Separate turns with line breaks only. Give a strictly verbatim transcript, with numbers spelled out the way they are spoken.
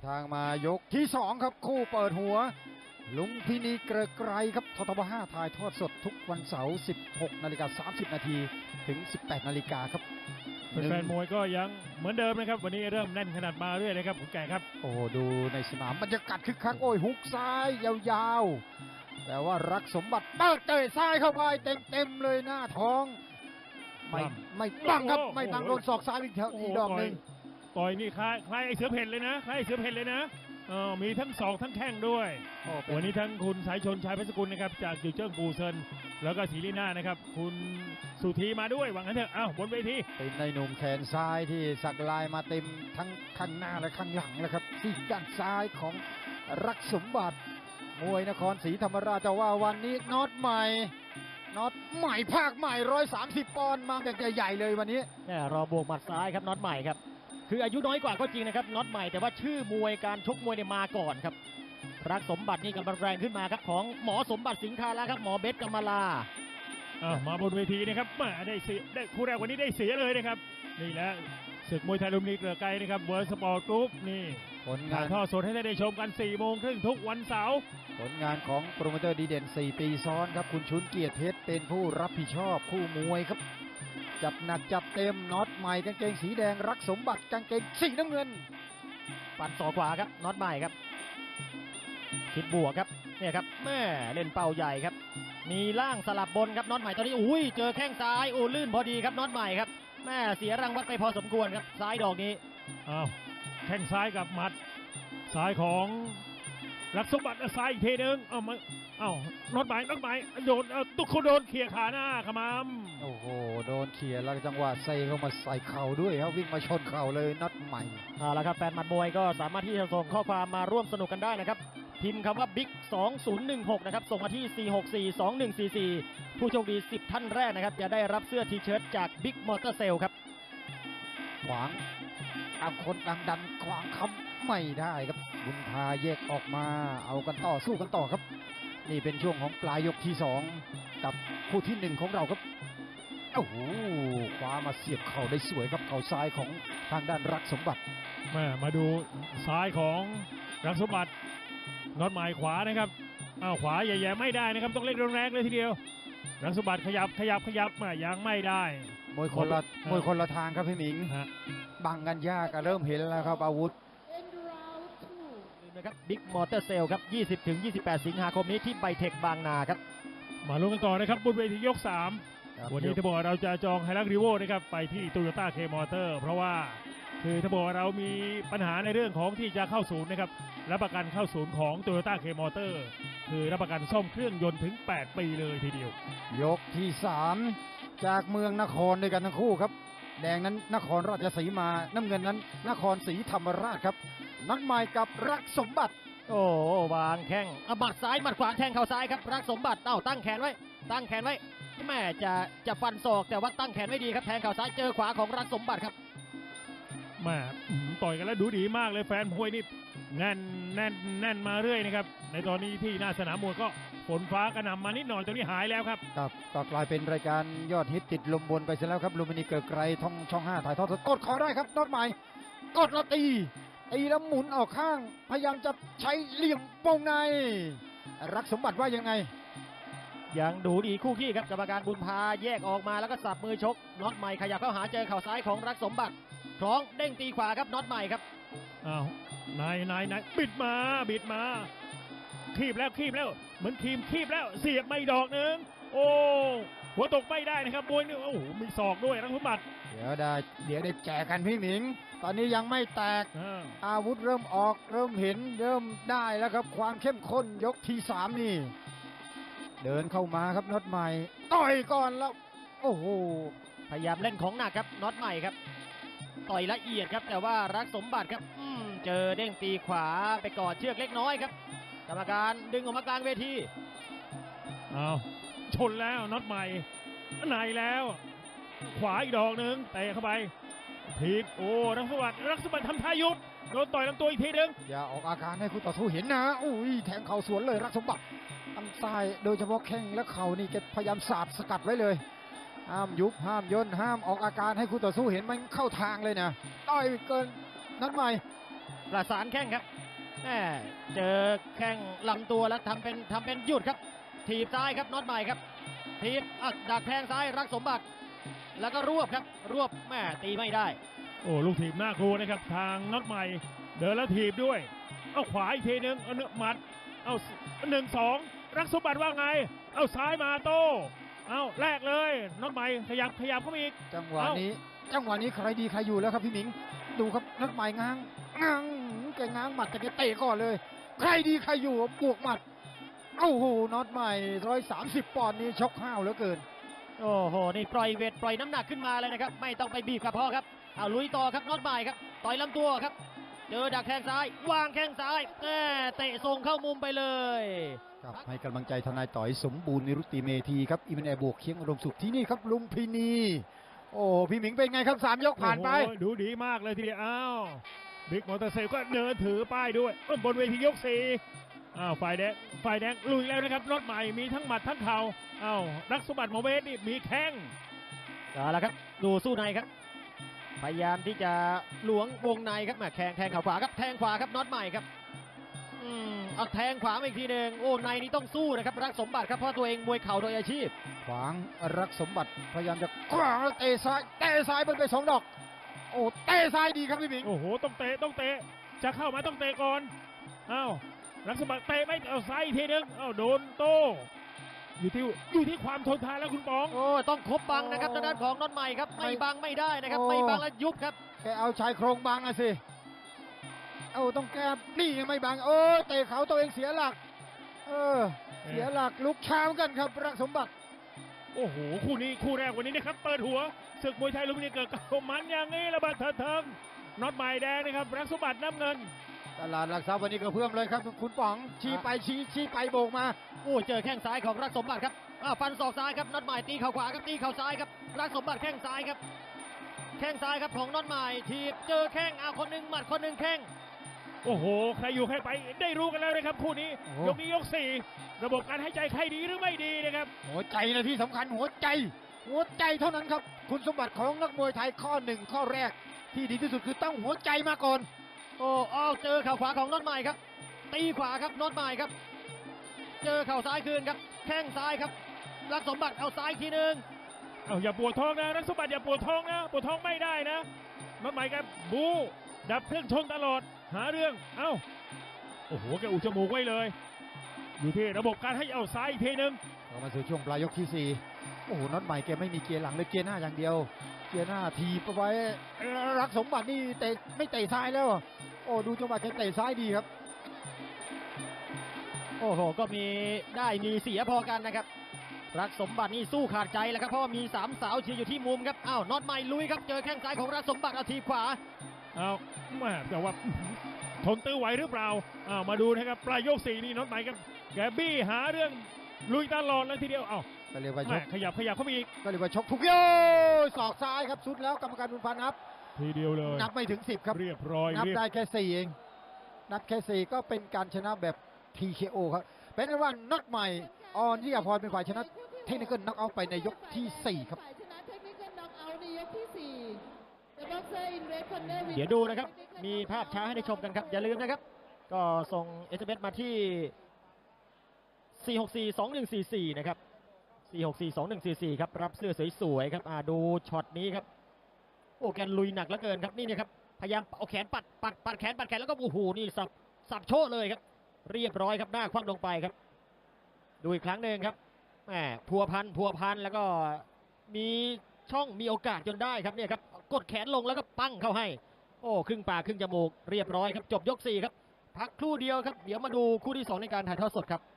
ทางมายกที่สองครับคู่เปิดหัวลุงพินีเกรไกรครับททบห้าถ่ายทอดสดทุกวันเสาร์สิบหกนาฬิกาสามสิบนาทีถึงสิบแปดนาฬิกาครับ
แฟนมวยก็ยังเหมือนเดิมนะครับวันนี้เริ่มแน่นขนาดมาเรื่อยเลยครับคุณแก่ครับ
โอ้ดูในสนามบรรยากาศคึกคักโอ้ยหุกซ้ายยาวๆแต่ว่ารักสมบัติเปิดเตะซ้ายเข้าไปเต็มๆเลยหน้าท้องไม่ไม่บังครับไม่บังโดนศอกซ้ายอีกอีกดอกหนึ่ง
ต่อยนี่คล้ายคล้ายไอ้เสือเพ่นเลยนะคล้ายไอ้เสือเพ่นเลยนะเออมีทั้งศอกทั้งแข้งด้วยวันนี้ทั้งคุณสายชนชายเพชรสกุลนะครับจากจิวเจิ้งปูเซินแล้วก็ศรีลีน่านะครับคุณสุธีมาด้วยหวังกันเถอะอ้าวบนเวที
เป็นในหนุ่มแขนซ้ายที่สักลายมาเต็มทั้งข้างหน้าและข้างหลังแล้วครับที่ด้านซ้ายของรักสมบัติมวยนครศรีธรรมราชแต่ว่าวันนี้น็อตใหม่น็อตใหม่ภาคใหม่ร้อยสามสิบปอนด์มาแบบใหญ่ๆเลยวันนี้
เนี่ยรอบวกหมัดซ้ายครับน็อตใหม่ครับคืออายุน้อยกว่าก็จริงนะครับน็อตใหม่แต่ว่าชื่อมวยการชกมวยเนี่ยมาก่อนครับรักสมบัตินี่กำลังแรงขึ้นมาครับของหมอสมบัติสิงคาแล้วครับหมอเบสกำมลา
อ่ามาบนเวทีนะครับมาได้เสียได้คู่แรกวันนี้ได้เสียเลยนะครับนี่แหละศึกมวยไทยลุมพินีเกลือไกรนะครับเวิร์สปอร์ตกรุ๊ปนี่
ผลงาน
ทอดสดให้ได้ชมกันสี่โมงครึ่งทุกวันเสาร์
ผลงานของโปรโมเตอร์ดีเด่นสี่ปีซ้อนครับคุณชุนเกียรติเพชรเป็นผู้รับผิดชอบคู่มวยครับจับหนักจับเต็มน็อตใหม่กางเกงสีแดงรักสมบัติกางเกงสีน้ำเงิน
ปั่นศอกขวาครับน็อตใหม่ครับคิดบวกครับเนี่ยครับแม่เล่นเป้าใหญ่ครับมีล่างสลับบนครับน็อตใหม่ตอนนี้อุ้ยเจอแข้งซ้ายโอ้ลื่นพอดีครับน็อตใหม่ครับแม่เสียรังวัดไปพอสมควรครับซ้ายดอกนี้
อ้าวแข้งซ้ายกับหมัดซ้ายของรักสมบัติซ้ายอีกทีนึงเอ้ามาเอ้าน็อตใหม่น็อตใหม่โดนเอาตุกเขาโดนเขี่ยขาหน้าขมำ
โอ้โหโดนเขี่ยแล้วจังหวะใส่เข้ามาใส่เข่าด้วยครับวิ่งมาชนเข่าเลยน็อตใหม่
เอาละครับแฟนหมัดมวยก็สามารถที่จะส่งข้อความมาร่วมสนุกกันได้นะครับพิมพ์คำว่าบิ๊กสองศูนย์หนึ่งหกนะครับส่งมาที่สี่หกสี่สองหนึ่งสี่สี่ผู้โชคดีสิบท่านแรกนะครับจะได้รับเสื้อทีเชิ้ตจากบิ๊กมอเตอร์เซลครับ
ขวางตามคนดังดันขวางคำไม่ได้ครับบุญพาแยกออกมาเอากันต่อสู้กันต่อครับนี่เป็นช่วงของปลายยกที่สองกับคู่ที่หนึ่งของเราครับโอ้โหคว้ามาเสียบเข่าได้สวยครับเข่าซ้ายของทางด้านรักสมบัติ
มามาดูซ้ายของรักสมบัติน็อตหมายขวานะครับอ้าวขวาแย่ๆไม่ได้นะครับต้องเล่นแรงๆเลยทีเดียวรักสมบัติขยับขยับขยับมายังไม่ได้
มวยคนละมวยคนละทางครับพี่หมิงบังกันยากเริ่มเห็นแล้วครับอาวุธ
นะครับบิ๊กมอเตอร์เซลครับ ยี่สิบถึงยี่สิบแปด สิงหาคมนี้ที่ไบเทคบางนาครับ
มาลุ้นกันต่อนะครับบนเวทียกสามวันนี้ถ้าบอกเราจะจองไฮรักรีโวนะครับไปที่โตโยต้าเคมอเตอร์เพราะว่าคือถ้าบอกเรามีปัญหาในเรื่องของที่จะเข้าศูนย์นะครับรับประกันเข้าศูนย์ของโตโยต้าเคมอเตอร์คือรับประกันซ่อมเครื่องยนต์ถึงแปดปีเลยทีเดียวย
กที่สามจากเมืองนครด้วยกันทั้งคู่ครับแดงนั้นนครราชสีมาน้ำเงินนั้นนครศรีธรรมราชครับนัดใหม่กับรักสมบัติ
โอ้วางแข้งหมัดซ้ายหมัดขวาแทงเข่าซ้ายครับรักสมบัติเอ้าตั้งแขนไว้ตั้งแขนไว้แม่จะจะฟันศอกแต่ว่าตั้งแขนไม่ดีครับแทงเข่าซ้ายเจอขวาของรักสมบัติครับ
แม่ต่อยกันแล้วดูดีมากเลยแฟนมวยนี่แน่นแน่นแน่นมาเรื่อยนะครับในตอนนี้ที่หน้าสนามมวยก็ฝนฟ้ากระหน่ำมานิดหน่อยตอนนี้หายแล้วครับ
ครับก็กลายเป็นรายการยอดฮิตติดลมบนไปเสียแล้วครับลุมพินีเกลือไกรท่องช่องห้าถ่ายทอดสดกดคอได้ครับน็อตใหม่กดแล้วตีตีแล้วหมุนออกข้างพยายามจะใช้เหลี่ยมวงในรักสมบัติว่ายังไง
ยังดูดีคู่ขี้ครับกรรมการบุญพาแยกออกมาแล้วก็สับมือชกน็อตใหม่ขยับเข้าหาเจอเข่าซ้ายของรักสมบัติคล้องเด้งตีขวาครับน็อตใหม่ครับ
อ้าวนายนายนายบิดมาบิดมาคีบแล้วคีบแล้วเหมือนคีมคีบแล้วเสียบไม่ดอกหนึ่งโอ้หัวตกไม่ได้นะครับบวยนึงโอ้โหมีศอกด้วยรักสมบัติ
เดี๋ยวได้เดี๋ยวได้แจกกันพี่หมิงตอนนี้ยังไม่แตกอาวุธเริ่มออกเริ่มเห็นเริ่มได้แล้วครับความเข้มข้นยกที่สามนี่เดินเข้ามาครับน็อตใหม่ต่อยก่อนแล้วโอ้โห
พยายามเล่นของหนักครับน็อตใหม่ครับต่อยละเอียดครับแต่ว่ารักสมบัติครับเจอเด้งตีขวาไปกอดเชือกเล็กน้อยครับกรรมการดึงออกมากลางเวที
อ้าวชนแล้วน็อตใหม่ไหนแล้วขวาอีกดอกหนึ่งเตะเข้าไปทีบโอ้รักสมบัติรักสมบัติทำท่ายุบโดนต่อยลำตัวอีกทีหนึ่ง
อย่าออกอาการให้คู่ต่อสู้เห็นนะอุ้ยแทงเข่าสวนเลยรักสมบัติตั้งซ้ายโดยเฉพาะแข้งและเข่านี่แกพยายามสาดสกัดไว้เลยห้ามยุบห้ามย่นห้ามออกอาการให้คู่ต่อสู้เห็นมันเข้าทางเลยนะต่อยเกินนัดใหม่
ประสานแข้งครับแหม่เจอแข้งลำตัวแล้วทำเป็นทำเป็นหยุดครับถีบซ้ายครับน็อตใหม่ครับถีบอ่ะดักแทงซ้ายรักสมบัติแล้วก็รวบครับรวบแม่ตีไม่ได้
โอ้ลูกถีบหน้ากลัวนะครับทางน็อตใหม่เดินแล้วถีบด้วยเอาขวาอีกทีนึงเอาเนื้อหมัดเอาหนึ่งสองรักสมบัติว่าไงเอาซ้ายมาโต้เอาแลกเลยน็อตใหม่ขยับขยับเข้ามาอีก
จังหวะ
เอ้า
นี้ จังหวะนี้ใครดีใครอยู่แล้วครับพี่หมิง ดูครับนักใหม่ง้างง้างแกง้างหมัดแต่แกเตะก่อนเลย ใครดีใครอยู่บวกหมัดโอ้โหน็อตใหม่ร้อยสามสิบปอนด์นี้ชกห้าวเหลือเกิน
โอ้โหนี่ปล่อยเวทปล่อยน้ำหนักขึ้นมาเลยนะครับไม่ต้องไปบีบกระเพาะครับเอาลุยต่อครับน็อตใหม่ครับต่อยลำตัวครับเจอดักแข้งซ้ายวางแข้งซ้ายแม่เตะส่งเข้ามุมไปเลย
ครับให้กำลังใจทนายต่อยสมบูรณ์นิรุตติเมธีครับอิมันแอร์บวกเคียงอารมณ์สุขที่นี่ครับลุมพินี โอ้พี่หมิงเป็นไงครับสามยกผ่านไป
โอ้โหดูดีมากเลยทีเดียวอ้าวบิ๊กมอเตอร์ไซค์ก็เดินถือป้ายด้วยเอ้ยบนเวทียกสี่อ้าวฝ่ายแดงฝ่ายแดงลุยแล้วนะครับน็อตใหม่มีทั้งหมัดทั้งเข่าอ้าวรักสมบัติหมอเวสนี่มีแข้ง
เอาละครับดูสู้ในครับพยายามที่จะหลวงวงในครับแหม่แทงแทงเข่าขวาครับแทงขวาครับน็อตใหม่ครับอืมเอาแทงขวามาอีกทีหนึ่งโอ้ในนี้ต้องสู้นะครับรักสมบัติครับเพราะตัวเองมวยเข่าโดยอาชีพ
ขวางรักสมบัติพยายามจะขวางแล้วเตะซ้ายเตะซ้ายเบิ้ลไปสองดอก โอ้เตะซ้ายดีครับพี่หมิง
โอ้โหต้องเตะต้องเตะจะเข้ามาต้องเตะก่อนอ้าวรักสมบัติเตะไม่เอาซ้ายอีกทีนึงอ้าวโดนโต้อยู่ที่อยู่ที่ความทนทานแล้วคุณป๋อง
โอ้ต้องครบบังนะครับทางด้านของน็อตใหม่ครับไม่บังไม่ได้นะครับไม่บังแล้วยุบครับ
แกเอาชายโครงบังอะสิเอาต้องแก้นี่ยังไม่บังโอ้เตะเขาตัวเองเสียหลัก เออเสียหลักลุกเช้ากันครับรักสมบัติ
โอ้โหคู่นี้คู่แรกวันนี้นะครับเปิดหัวศึกมวยไทยลุมพินีเกิดกับมันอย่างนี้ระเบิดเถิดเทิงน็อตใหม่แดงนะครับรักสมบัติน้ำเงิน
ตลาดหลักทรัพย์วันนี้ก็เพิ่มเลยครับคุณป๋องชี้ไปชี้ชี้ไปโบกมา
โอ้เจอแข้งซ้ายของรักสมบัติครับอ้าวฟันศอกซ้ายครับน็อตใหม่ตีเข่าขวาครับตีเข่าซ้ายครับรักสมบัติแข้งซ้ายครับแข้งซ้ายครับของน็อตใหม่ทีบเจอแข้งเอาคนหนึ่งหมัดคนหนึ่งแข้ง
โอ้โหใครอยู่ใครไปได้รู้กันแล้วนะครับคู่นี้
โอ้โห
ยกนี้ยกสี่ระบบการหายใจใครดีหรือไม่ดีนะครับ
หัวใจนะที่สำคัญหัวใจ หัวใจเท่านั้นครับคุณสมบัติของนักมวยไทยข้อหนึ่งข้อแรก ที่ดีที่สุดคือต้องหัวใจมาก่อน
โอ้อ้าวเจอเข่าขวาของน็อตใหม่ครับตีขวาครับน็อตใหม่ครับเจอเข่าซ้ายคืนครับแข้งซ้ายครับรักสมบัติเอาซ้ายทีหนึ่ง
เอาอย่าปวดท้องนะรักสมบัติอย่าปวดท้องนะปวดท้องไม่ได้นะน็อตใหม่ครับบูดับเครื่องชนตลอดหาเรื่องเอ้าโอ้โหแกอุดจมูกไว้เลย อยู่ที่ระบบการให้เอาซ้ายอีกทีนึง
เรามาสู่ช่วงปลายยกที่สี่โอ้โหน็อตใหม่แกไม่มีเกียร์หลังเลยเกียร์หน้าอย่างเดียว เกียร์หน้าทีบเอาไว้รักสมบัตินี่เตะไม่เตะซ้ายแล้ว โอ้ดูจังหวะแกเตะซ้ายดีครับ
โอ้โหก็มีได้มีเสียพอกันนะครับรักสมบัตินี่สู้ขาดใจแล้วครับเพราะว่ามีสามสาวเชียร์อยู่ที่มุมครับอ้าวน็อตใหม่ลุยครับเจอแข้งซ้ายของรักสมบัติเอาทีบขวา
เอาแม่แต่ว่าทนตื้อไหวหรือเปล่าอ้าวมาดูนะครับปลายยกสี่นี่น็อตใหม่ครับแกบี้หาเรื่องลุยตลอดเลยทีเดียวเอ้า
ก็เรียกว่าช
แม่
ก
ขยับขยับเข้าไปอีก
ก็เรียกว่าชกทุกโยศอกซ้ายครับสุดแล้วกรรมการบุญพันธ์นับ
ทีเดียวเลย
นับไม่ถึงสิบครับ
เรียบร้อย
นับ
เรียบ
ได้แค่สี่เอง นับแค่สี่ก็เป็นการชนะแบบ ที เค โอ ครับ เป็นอันว่าน็อตใหม่ออนที่อภรเป็นฝ่ายชนะเทคนิคเกิลน็อกเอาท์ไปในยกที่สี่ครับ
ฝ่ายชนะเทคนิคเกิลน็อกเอาท์ในยกที่สี่ The boxer in red corner with
เดี๋ยวดูนะครับมีภาพช้าให้ได้ชมกันครับอย่าลืมนะครับก็ส่ง เอส เอ็ม เอส มาที่ สี่ หก สี่ สอง หนึ่ง สี่ สี่ นะครับ สี่ หก สี่ สอง หนึ่ง สี่ สี่ ครับรับเสื้อสวยๆครับอ่าดูช็อตนี้ครับโอ้แกลุยหนักเหลือเกินครับนี่เนี่ยครับพยายามเอาแขนปัดปัดปัดแขนปัดแขนแล้วก็โอ้โหนี่สับสับโชว์เลยครับเรียบร้อยครับหน้าคว่ำลงไปครับดูอีกครั้งหนึ่งครับแหมพัวพันพัวพันแล้วก็มีช่องมีโอกาสจนได้ครับเนี่ยครับกดแขนลงแล้วก็ปั้งเข้าให้โอ้ครึ่งปากครึ่งจมูกเรียบร้อยครับจบยกสี่ครับพักครู่เดียวครับเดี๋ยวมาดูคู่ที่สองในการถ่ายทอดสดครับ